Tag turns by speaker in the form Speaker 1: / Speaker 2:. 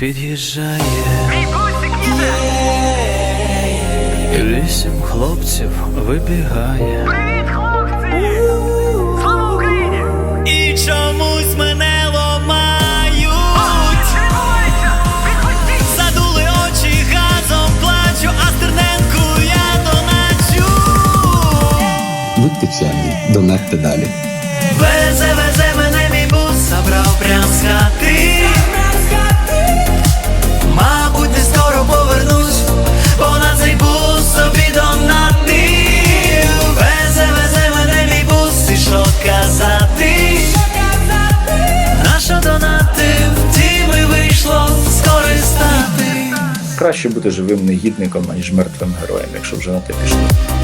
Speaker 1: під'їжджає.
Speaker 2: Мій бусик їде!
Speaker 1: 8 хлопців вибігає.
Speaker 2: Привіт, хлопці! Слава Україні!
Speaker 1: І чомусь мене ламають.
Speaker 2: Тримайся! Відпустіть!
Speaker 1: Задули очі, газом плачу, а Стерненку я доначу.
Speaker 3: Будьте чемні, донатьте далі.
Speaker 1: Везе мене мій бус, забрав прям з хати. Мабуть, не скоро повернусь, бо на цей бус собі донатив. Везе мене мій бус, і що казати? Нащо донатив, тим і вийшло скористати.
Speaker 4: Краще бути живим негідником, аніж мертвим героєм, якщо вже на те пішло.